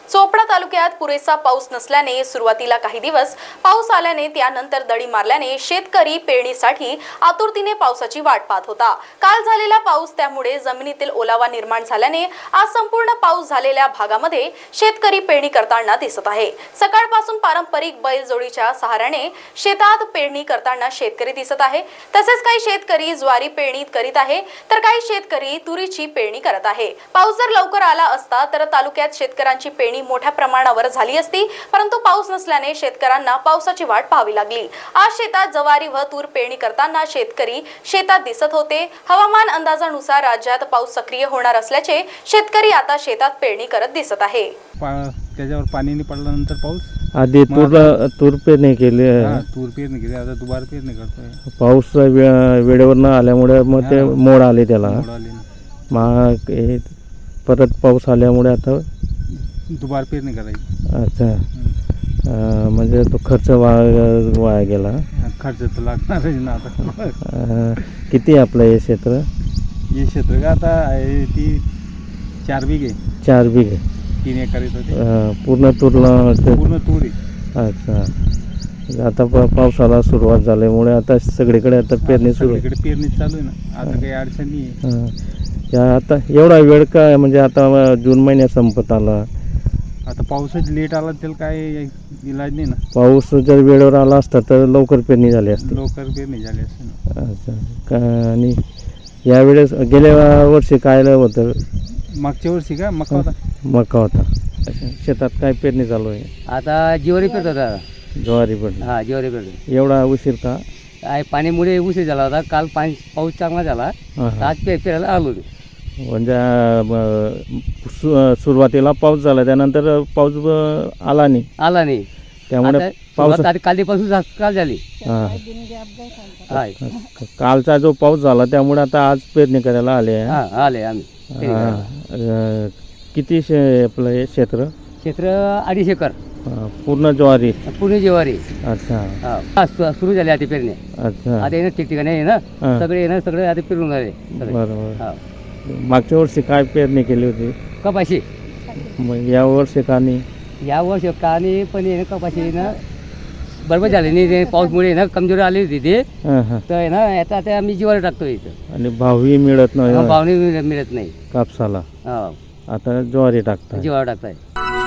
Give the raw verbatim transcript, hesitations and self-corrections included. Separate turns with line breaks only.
चोपडा तालुक्यात पुरेसा पाऊस नसल्याने सुरुवातीला काही दिवस पाऊस आल्याने त्यानंतर दडी मारल्याने शेतकरी पेरणीसाठी आतुरतेने पावसाची वाट पाहत होता। काल झालेला पाऊस त्यामुळे जमिनीतील ओलावा निर्माण झाल्याने आज संपूर्ण पाऊस झालेल्या भागामध्ये शेतकरी पेरणी करताना दिसत आहे। सकाळपासून पारंपरिक बैलजोडीच्या सहाऱ्याने शेतात पेरणी करताना शेतकरी दिसत आहे। तसेच काही शेतकरी ज्वारी पेरणी करीत आहे तर काही शेतकरी तुरीची पेरणी करत आहे। पाऊस जर लवकर आला असता तर तालुक्यात शेतकऱ्यांची पेरणी मोठ्या प्रमाणावर झाली असती, परंतु पाऊस नसल्याने शेतकऱ्यांना पावसाची वाट पाहावी लागली। आज शेतात ज्वारी व तूर पेरणी करताना शेतकरी शेतात दिसत होते। हवामान अंदाजानुसार राज्यात पाऊस सक्रिय होणार असल्याचे शेतकरी आता शेतात पेरणी करत दिसत आहे।
त्याच्यावर पाणी नाही पडल्यानंतर पाऊस
आधी तूर तूर पेरणी केली,
तूर पेरणी केली, आता दुबार पेरणी करतोय।
पाऊस वेळेवर न आल्यामुळे मग ते मोड आले त्याला, मग परत पाऊस आल्यामुळे आता
दुबार पेरणी करायची।
अच्छा, म्हणजे तो खर्च वाया वाया गेला।
खर्च तर लागणारच ना आता।
किती आपलं हे क्षेत्र?
हे क्षेत्र का आता आहे ती चार बिघे
चार बिघे
तीन एकर येतं।
पूर्ण तूरला
पूर्ण तूर।
अच्छा, आता पावसाला सुरुवात झाल्यामुळे आता सगळीकडे आता पेरणी सुरू
सगळीकडे पेरणी चालू आहे ना, आता काही अडचण नाही आहे।
आता एवढा वेळ काय, म्हणजे आता जून महिन्यात संपत आला,
आता पाऊसच लेट आला त्याला काय इलाज नाही ना।
पाऊस जर वेळेवर आला असता तर लवकर पेरणी झाली असती,
लवकर पेरणी झाली असती ना।
अच्छा, का आणि यावेळेस गेल्या वर्षी काय होतं?
मागच्या वर्षी का मका होता?
मका होता। शेतात काय पेरणी चालू आहे
आता? ज्वारी पेरत होता।
ज्वारी पण?
हा, ज्वारी पेरत।
एवढा उशीर का?
काय पाणीमुळे उशीर झाला होता। काल पाणी पाऊस चांगला झाला, आज पे पेरायला आलो।
म्हणजे सुरुवातीला पाऊस झाला, त्यानंतर पाऊस आला नाही
आला नाही,
त्यामुळे पाऊस
कालपासून काल झाली।
हा, कालचा जो पाऊस झाला त्यामुळे आता आज पेरणी करायला आले आहे।
हा, आले आम्ही।
किती शे आपलं हे क्षेत्र?
क्षेत्र अडीच एकर,
पूर्ण ज्वारी?
पूर्ण ज्वारी।
अच्छा,
हा, सुरू झाली आता पेरणी।
अच्छा,
आता येणं ठिकठिकाणी आहे ना, सगळे येणं सगळे आता पेरून झाले।
बरोबर। मागच्या वर्षी काय पेरणी केली होती?
कपाशी।
मग या वर्षी का नाही?
या वर्षी का नाही, पण येणं कपाशी ना बरोबर झाले नाही, पाऊसमुळे ना कमजोरी आली होती ते, तर ना आता आता आम्ही ज्वारी टाकतो इथं।
आणि भावही मिळत नाही,
भावनी मिळत नाही
कापसाला,
हा,
आता ज्वारी टाकता
ज्वारी टाकताय।